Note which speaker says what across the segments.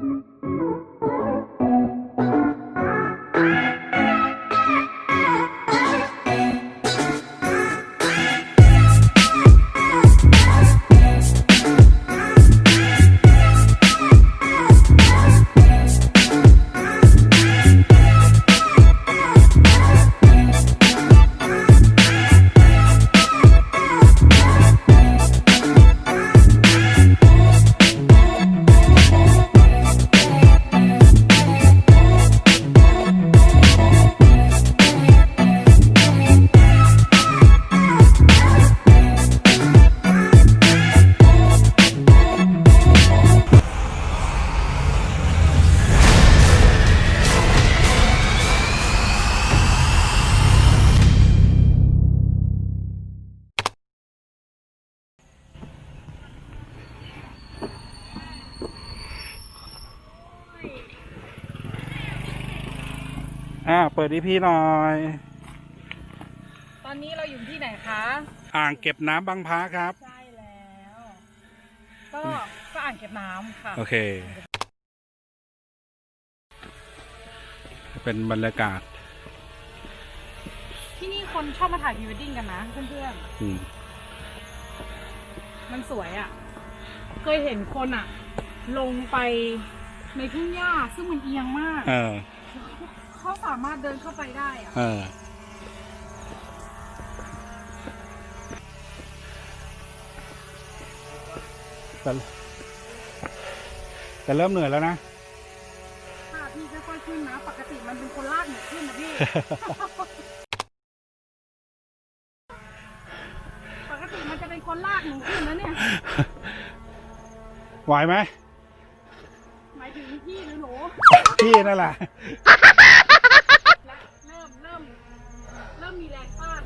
Speaker 1: เปิดอีพีหน่อย
Speaker 2: ตอนนี้เราอยู่ที่ไหนคะ
Speaker 1: อ่างเก็บน้ำบางพระครับ
Speaker 2: ใช่แล้วก็อ่างเก็บน้ำค่ะ
Speaker 1: โอเค เป็นบรรยากาศ
Speaker 2: ที่นี่คนชอบมาถ่ายพรีเวดดิ้งกันนะเพื่อนๆมันสวยอ่ะเคยเห็นคนอ่ะลงไปในทุ่งหญ้าซึ่งมันเอียงมากเขาสามารถเดินเข้าไปได้อ่ะ
Speaker 1: แต่เริ่มเหนื่อยแล้วนะ
Speaker 2: ค่ะพี่ค่อยๆขึ้นนะปกติมันเป็นคนลากหนูขึ้นนะพี่ ปกติมันจะเป็นคนลากหนูขึ้นนะเนี่ย
Speaker 1: ไหวไหม
Speaker 2: หมายถึงพี่หรือหนู
Speaker 1: พี่นั่นแหละ
Speaker 2: เริ่มมีแรงต้าน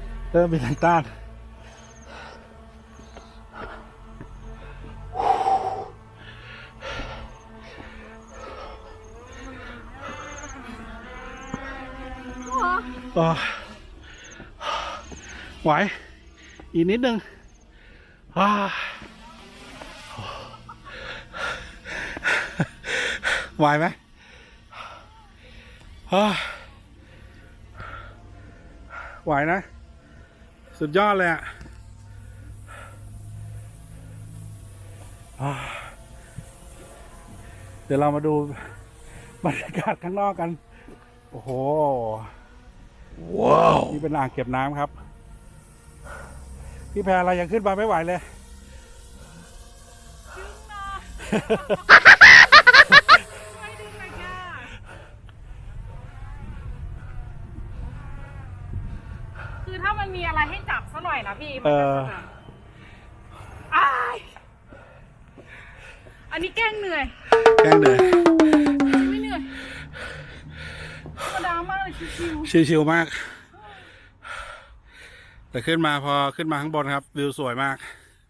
Speaker 1: ไหวอีกนิดนึงไหวไหมไหวนะสุดยอดเลยอ่ะเดี๋ยวเรามาดูบรรยากาศข้างนอกกันโอ้โหว้าวนี่เป็นอ่างเก็บน้ำครับพี่แพรเรายังขึ้นมาไม่ไหวเลย
Speaker 2: ดึงนะไม่ดึงเลยค่ะคือถ้ามันมีอะไรให้จับซะหน่อยนะพี่มันจะอันนี้แกล้งเหนื่อยไม่เหนื่อยธรรมดามากเลย
Speaker 1: ชิวๆมากแต่ขึ้นมาพอขึ้นมาข้างบนครับวิวสวยมาก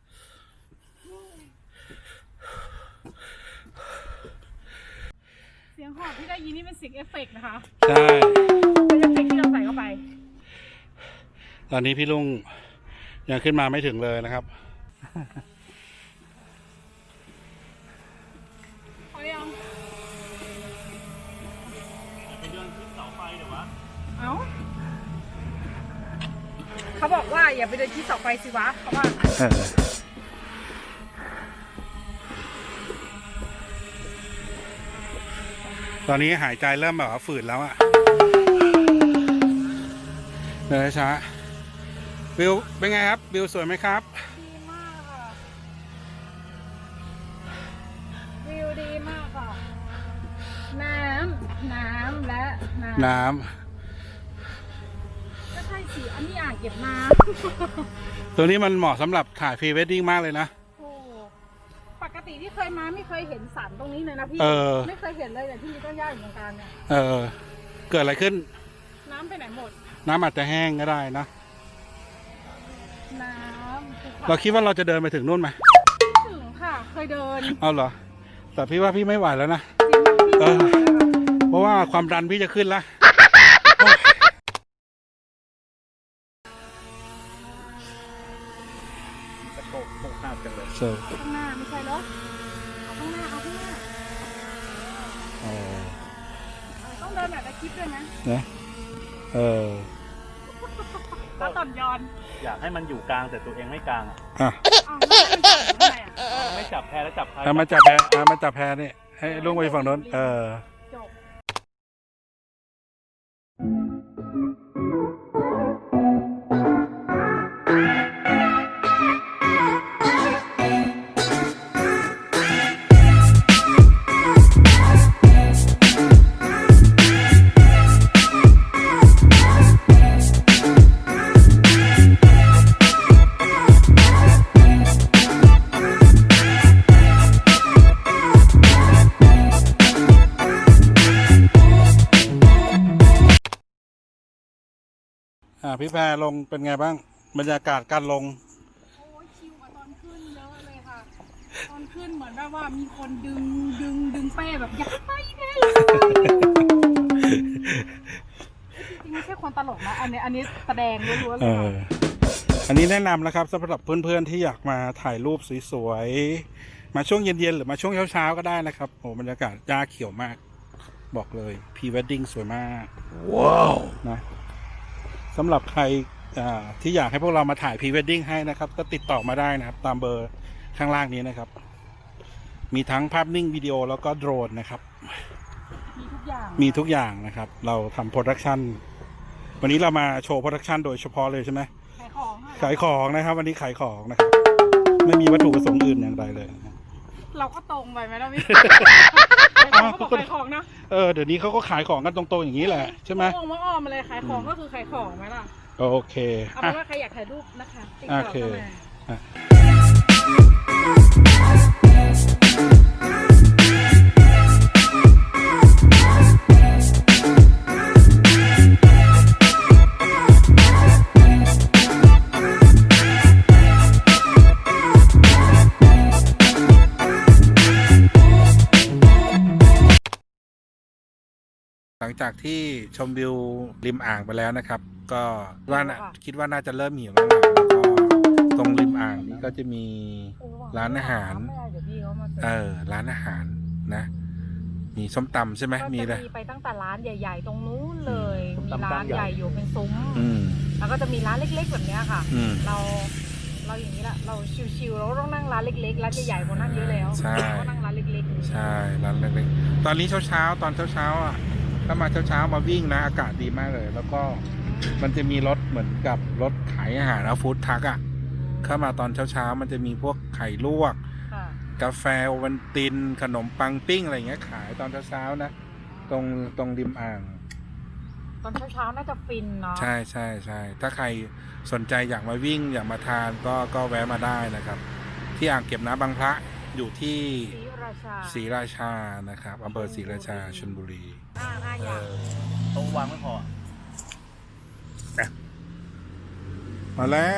Speaker 2: เสียงหอบที่ได้ยินนี่เป็นเสียงเอฟเฟกต์นะคะ
Speaker 1: ใช่
Speaker 2: เป็นเอฟเฟกต์ที่เราใส่เข้าไป
Speaker 1: ตอนนี้พี่ลุงยังขึ้นมาไม่ถึงเลยนะครับ
Speaker 2: พอยัง
Speaker 1: ไปเดินขึ้นเสาไฟเดี๋ยววะ
Speaker 2: เขาบอกว่าอย่าไปเดินที่เสาไฟสิวะเขาว่า
Speaker 1: ตอนนี้หายใจเริ่มแบบว่าฝืดแล้วอะเดินช้าวิวเป็นไงครับวิวสวยไหมครับ
Speaker 2: ดีมากค่ะวิวดีมากค่ะน้ำและน้ำก็ใช่สิอันนี้อ่างเก็บน้
Speaker 1: ำตัวนี้มันเหมาะสำหรับถ่ายพรีเวดดิ้งมากเลยนะ
Speaker 2: ปกติที่เคยมาไม่เคยเห็นสันตรงนี้เลยนะพี่ไม่เคยเห็นเลยแต่ที่มีต้นหญ้าอยู่ตรงกลางเนี่ย
Speaker 1: เกิดอะไรขึ้น
Speaker 2: น้ำไปไหนหมด
Speaker 1: น้ำอาจจะแห้งก็ได้นะ
Speaker 2: น้ำ
Speaker 1: เราคิดว่าเราจะเดินไปถึงนู่นไหม
Speaker 2: ถึงค่ะเคยเดิน
Speaker 1: เอาเหรอแต่พี่ว่าพี่ไม่ไหวแล้วนะเพราะว่าความดันพี่จะขึ้นแล้ว
Speaker 2: ข้างหน้าไม่ใช่เหรอเอาข้างหน้าเดินแบบในคลิปด้วยนะ
Speaker 1: นะ
Speaker 2: แล้วตอนย้อน
Speaker 3: อยากให้มันอยู่กลางแต่ตัวเองไม่กลางอ่ะ
Speaker 1: อ่ะ
Speaker 2: อ้าวแล้วมันจับทำไมอ่ะ
Speaker 3: ไม่จับแพแล้วจับใคร
Speaker 1: มาจับแพมาจับแพนี่ให้ลุงไปฝั่งโน้น
Speaker 2: จบ
Speaker 1: พี่แพรลงเป็นไงบ้างบรรยากาศการลง
Speaker 2: โอ้ยชิลกว่าตอนขึ้นเยอะเลยค่ะ ตอนขึ้นเหมือนแบบว่ามีคนดึงเป้แบบอยากไปแน่เลยจริงๆไม่ใช่คนตลกนะ อันนี้แสดงล้วนๆเลยค่ะ
Speaker 1: อันนี้แนะนำนะครับสำหรับเพื่อนๆที่อยากมาถ่ายรูปสวยๆมาช่วงเย็นๆหรือมาช่วงเช้าๆก็ได้นะครับโอ้บรรยากาศหญ้าเขียวมาก บอกเลยพรีเวดดิ้งสวยมากว้าวนะสำหรับใครที่อยากให้พวกเรามาถ่ายพรีเวดดิ้งให้นะครับก็ติดต่อมาได้นะครับตามเบอร์ข้างล่างนี้นะครับมีทั้งภาพนิ่งวิดีโอแล้วก็โดรนนะครับ
Speaker 2: มีทุกอย่าง
Speaker 1: มีทุกอย่างนะครับเราทำโปรดักชันวันนี้เรามาโชว์โปรดักชันโดยเฉพาะเลยใช่ไหม
Speaker 2: ขายของค่ะ
Speaker 1: ขายของนะครับวันนี้ขายของนะครับไม่มีวัตถุประสงค์อื่นอย่างใดเลยนะ
Speaker 2: เราก็ตรงไปไหมล่ะพี่เขาบอกขายของนะ
Speaker 1: เดี๋ยวนี้เขาก็ขายของกันตรงๆอย่างนี้แหละใช่ไหม
Speaker 2: อ้อมมาเลยขายของก็คือขายของไหมล่ะ
Speaker 1: โอเค
Speaker 2: เอาเป็นว่าใครอยากถ่ายรูปนะคะติดต่อเข้ามา
Speaker 1: หลังจากที่ชมวิวริมอ่างไปแล้วนะครับ ก็ว่าคิดว่าน่าจะเริ่มหิวแล้วนะแล้วก็ตรงริมอ่างนี้ก็จะมีร้านอาหารร้านอาหารนะ มีส้มตำใช่ไหมมี
Speaker 2: ก็
Speaker 1: เล
Speaker 2: จะ
Speaker 1: ย
Speaker 2: มีไปตั้งแต่ร้านใหญ่ๆตรงนู้นเลยมีร้านใหญ่อยู่เป็นซุ้ม
Speaker 1: อืม
Speaker 2: แล้วก็จะมีร้านเล็กๆแบบนี้ค่ะ
Speaker 1: อืม
Speaker 2: เราอย่างนี้แหละเราชิวๆเราต้องนั่งร้านเล็กๆร้านใหญ่ๆคนนั่งเยอะแล้ว
Speaker 1: ใช่
Speaker 2: ก็นั่งร้านเล็กๆ
Speaker 1: ใช่ร้านเล็กๆตอนนี้เช้าตอนเช้าอ่ะถ้ามาเช้ามาวิ่งนะอากาศดีมากเลย แล้วก็มันจะมีรถเหมือนกับรถขายอาหารฟู้ดทักอ่ะเข้ามาตอนเช้ามันจะมีพวกไข่ลวก
Speaker 2: ค่ะ
Speaker 1: กาแฟโอวัลตินขนมปังปิ้งอะไรเงี้ยขายตอนเช้านะตรงริมอ่าง
Speaker 2: ตอนเช้าน่าจะฟินเนาะ
Speaker 1: ใช่ถ้าใครสนใจอยากมาวิ่งอยากมาทานก็แวะมาได้นะครับ ที่อ่างเก็บน้ำบางพระอยู่ที่ ศรีราชานะครับอำเภอศรีราชาชลบุรี
Speaker 2: ห้าอย่าง
Speaker 3: โต๊ะวางไม่พอ
Speaker 1: มาแล้ว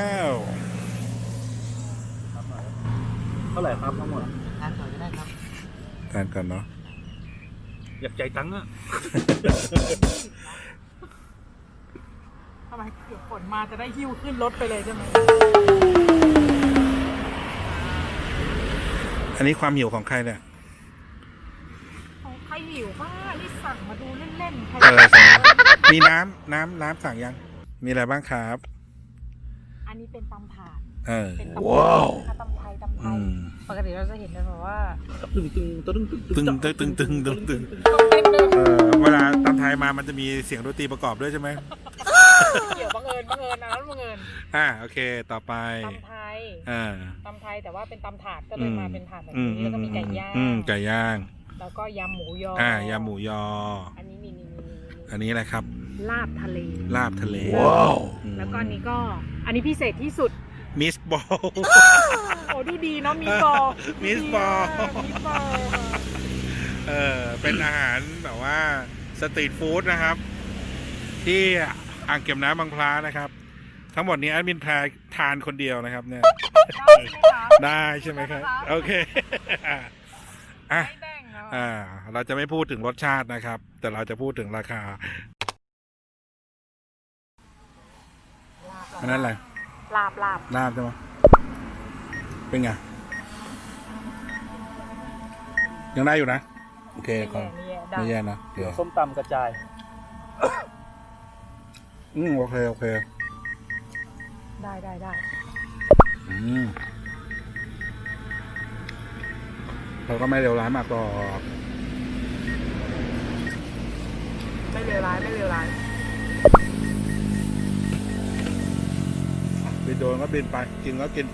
Speaker 3: เท่าไหร่ครับทั้งหมด
Speaker 2: ทานก่อนก็ได้ครับ
Speaker 1: ทานกันเนาะ
Speaker 3: อยากใจตังค์อ่ะ
Speaker 2: ทำไมเดี๋ยวฝนมาจะได้หิ้วขึ้นรถไปเลยใช่ไหม
Speaker 1: อันนี้ความหิวของใครเนี่ย
Speaker 2: ของใครหิวบ้านี่สั่งมาดูเล่นๆใคร
Speaker 1: สั่งมีน้ำสั่งยังมีอะไรบ้างครับ
Speaker 2: อันนี้เป็นตำถาด
Speaker 1: เป็น
Speaker 2: ตำว้าวตำไทยปกติเราจะเห็นกันแบบว่า
Speaker 3: ตึง
Speaker 1: เวลาตำไทยมามันจะมีเสียงดนตรีประกอบด้วยใช่ไหม
Speaker 2: เกี่ยวบังเอิญอันนั้นบังเอิญ
Speaker 1: โอเคต่อไป
Speaker 2: ตำไทย ตำไทยแต่ว่าเป็นตำถาดก็เลยมาเป็นถาดแบบนี้แล้วก็มีไก่ย่าง
Speaker 1: ไก่ย่าง
Speaker 2: แล้วก็ยำหมูย
Speaker 1: ยำหมูยอ
Speaker 2: อันนี้มี
Speaker 1: อันนี้อะไรครับ
Speaker 2: ลาบทะเล
Speaker 1: ว้าว
Speaker 2: แล้วก็อันนี้พิเศษที่สุด
Speaker 1: มิสบอล
Speaker 2: โอ้ดูดีเนาะมิสบอล
Speaker 1: เป็นอาหารแบบว่าสตรีทฟู้ดนะครับ ที่อ่างเก็บน้ำบางพระนะครับ ทั้งหมดนี้แอดมินแพรทานคนเดียวนะครับเนี่ยได้ใช่ไหมครับโอเคเราจะไม่พูดถึงรสชาตินะครับ แต่เราจะพูดถึงราคาอันนั้นอะไร
Speaker 2: ลาบ
Speaker 1: ใช่ไหมเป็นไงยังได้อยู่นะโอเคก่อนไม่แย่นะ
Speaker 3: เดี๋ยวส้มตำกระจาย
Speaker 1: โอเคโอเค
Speaker 2: ได้
Speaker 1: เราก็ไม่เร็วร้ายมากหรอก
Speaker 2: ไม่เลวร้าย
Speaker 1: บินโดนก็บินไป กินก็กินไป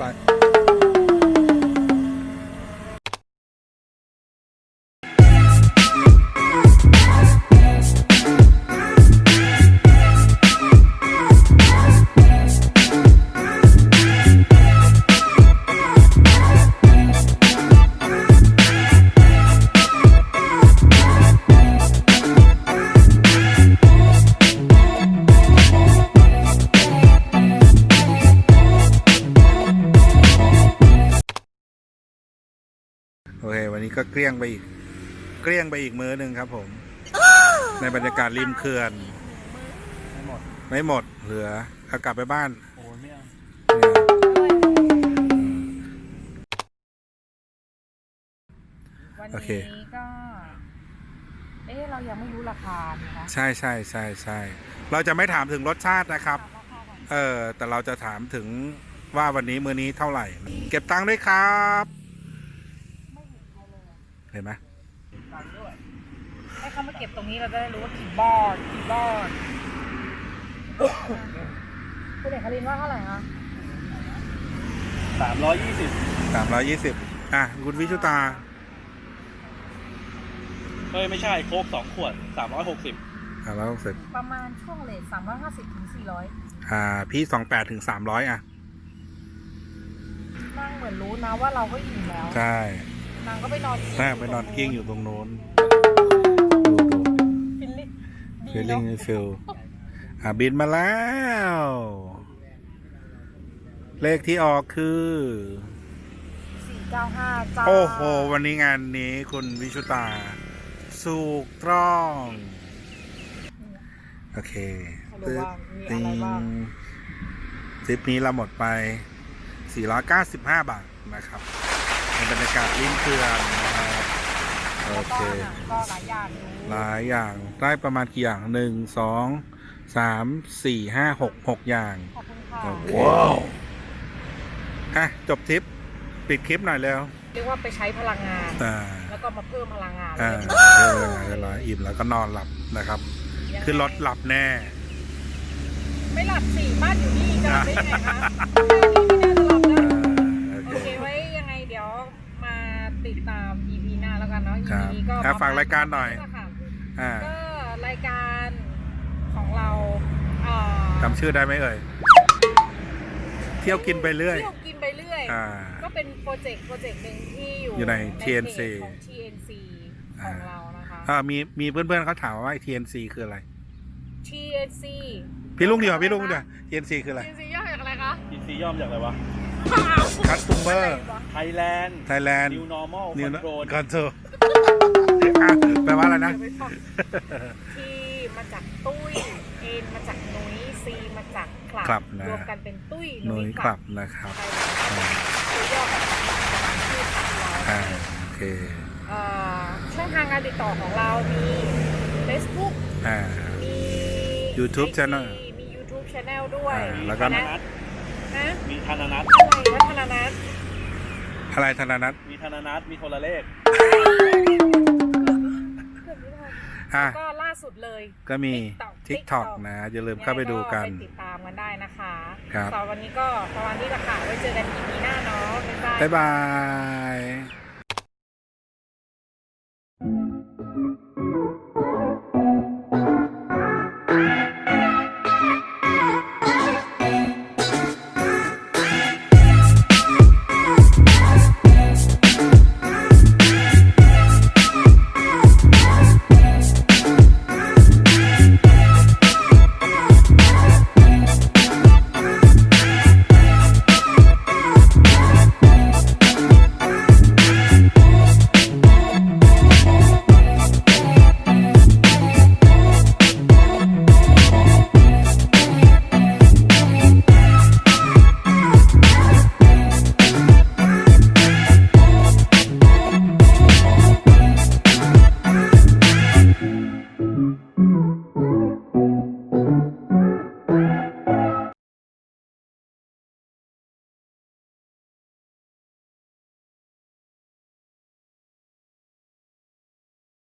Speaker 1: โอเค วันนี้ก็เกลี้ยงไปอีกมื้อหนึ่งครับผม ในบรรยากาศริมเขื่อน ไม่หมดเหลือเอากลับไปบ้าน
Speaker 3: โอ้ยไม่เอา
Speaker 2: วัน
Speaker 1: โอเค
Speaker 2: นี้ก็ เรายังไม่รู้ราคาเลยนะ
Speaker 1: ใช่เราจะไม่ถามถึงรสชาตินะครับ
Speaker 2: ถามราคาก่อน
Speaker 1: แต่เราจะถามถึงว่าวันนี้มื้อนี้เท่าไหร่ เก็บตังค์ด้วยครับ
Speaker 2: ไม่เห็นใครเลยอะ
Speaker 1: เห็นไหม
Speaker 3: ตังค์ด้วย
Speaker 2: ให้เขามาเก็บตรงนี้เราจะได้รู้ว่ากี่บอดคุณเอกคารินว่าเท่าไหร่คะ
Speaker 3: 320
Speaker 1: 320คุณวิชุตา
Speaker 3: เฮ้ยไม่ใช่โค้ก2 ขวด 360
Speaker 1: 360
Speaker 2: ประมาณช่วงเลท350 ถึง 400
Speaker 1: พี่28ถึง300
Speaker 2: นั่งเหมือนรู้นะว่าเราก็อิ่มแล้ว
Speaker 1: ใช่
Speaker 2: นางก็ไปนอน
Speaker 1: ไปนอนกิ้งอยู่ตรงโน้นดู
Speaker 2: ฟิลลิ่งดี
Speaker 1: feeling
Speaker 2: เนาะ
Speaker 1: feel บินมาแล้ว เลขที่ออกคือ
Speaker 2: 495 จ้า
Speaker 1: โอ้โห วันนี้งานนี้คุณวิชุตาถูกต้อง โอเค
Speaker 2: ให้ดูว่ามีอะไรบ้าง
Speaker 1: ทริปนี้เราหมดไป 495 บาทนะครับในบรรยากาศริมเขื่อนนะครับโอ
Speaker 2: แล้ว
Speaker 1: เค
Speaker 2: ก็อาหารก็หลายอย่างอยู่
Speaker 1: หลายอย่างได้ประมาณกี่อย่าง 1 2 3 4 5 6 อย่าง
Speaker 2: ขอบคุณค่ะ
Speaker 1: โอเคจบทริป ปิดคลิปหน่อยแล้ว
Speaker 2: เรียกว่าไปใช้พลังงาน
Speaker 1: อ่า
Speaker 2: แล้วก็มาเพิ่มพลังงาน
Speaker 1: เรียบร้อยอิ่มแล้วก็นอนหลับนะครับ ขึ้นรถหลับแน่
Speaker 2: ไม่หลับสิบ้านอยู่นี่จะหลับได้ไงคะไม่น่าจะหลับได้
Speaker 1: โอ
Speaker 2: โอ
Speaker 1: เค
Speaker 2: เคไว้ยังไงเดี๋ยวมาติดตาม EP หน้าแล้วกันเนาะ
Speaker 1: ครับ
Speaker 2: EP นี้ก็
Speaker 1: ฝากรายการหน่อย
Speaker 2: ค่ะ
Speaker 1: อ่า
Speaker 2: ก็รายการของเราเอ่อ
Speaker 1: จำชื่อได้ไหมเอ่ย เที่ยวกินไปเรื่อย
Speaker 2: เที่ยวกินไปเรื่อย
Speaker 1: อ่า
Speaker 2: ก็เป็นโปรเจกต์หนึ่งที่อยู่
Speaker 1: อยู่ใน
Speaker 2: เพจ
Speaker 1: TNC
Speaker 2: ของ TNC ของเรานะคะ
Speaker 1: มีเพื่อนๆเขาถามว่า TNC คืออะไร
Speaker 2: TNC
Speaker 1: พี่ลุงเดียวTNC คืออะไร
Speaker 2: TNC ย่อจากอะไรคะ
Speaker 3: TC ย่อมาจากอะไรวะ
Speaker 1: Customer
Speaker 3: Thailand
Speaker 1: Thailand
Speaker 3: New Normal
Speaker 1: New
Speaker 3: Control
Speaker 1: Control แปลว่าอะไรนะ
Speaker 2: T มาจากตุ้ย N มาจากนุ้ย C มาจากค
Speaker 1: คลั
Speaker 2: ลั
Speaker 1: บบ นะ
Speaker 2: รวมกันเป็นตุ้ย
Speaker 1: หน่วย
Speaker 2: ค
Speaker 1: ค
Speaker 2: ลั
Speaker 1: ลั
Speaker 2: บบ
Speaker 1: นะครับ
Speaker 2: ตัย่อของชื่อคลับเรา
Speaker 1: โอเค
Speaker 2: ช่องทางการติดต่อของเรามี Facebook มี
Speaker 1: YouTube
Speaker 2: IG
Speaker 1: Channel
Speaker 2: มี YouTube Channel ด้วย
Speaker 1: แล้วก็
Speaker 2: นะ
Speaker 3: มีธนานัท
Speaker 2: อะไรวัฒนนัท
Speaker 1: อะไรธนานัท
Speaker 3: มีธนานัทมีโทรเลข
Speaker 2: ก็ล่าสุดเลย
Speaker 1: ก็มี TikTok นะ อย่าลืมเข้าไปดูกัน
Speaker 2: ไปติดตามกันได้นะคะ
Speaker 1: ครับ
Speaker 2: สำหรับวันนี้ก็ประมาณนี้แหละค่ะไว้เจอกัน EP หน้าเนาะบ๊ายบาย
Speaker 1: บ๊ายบาย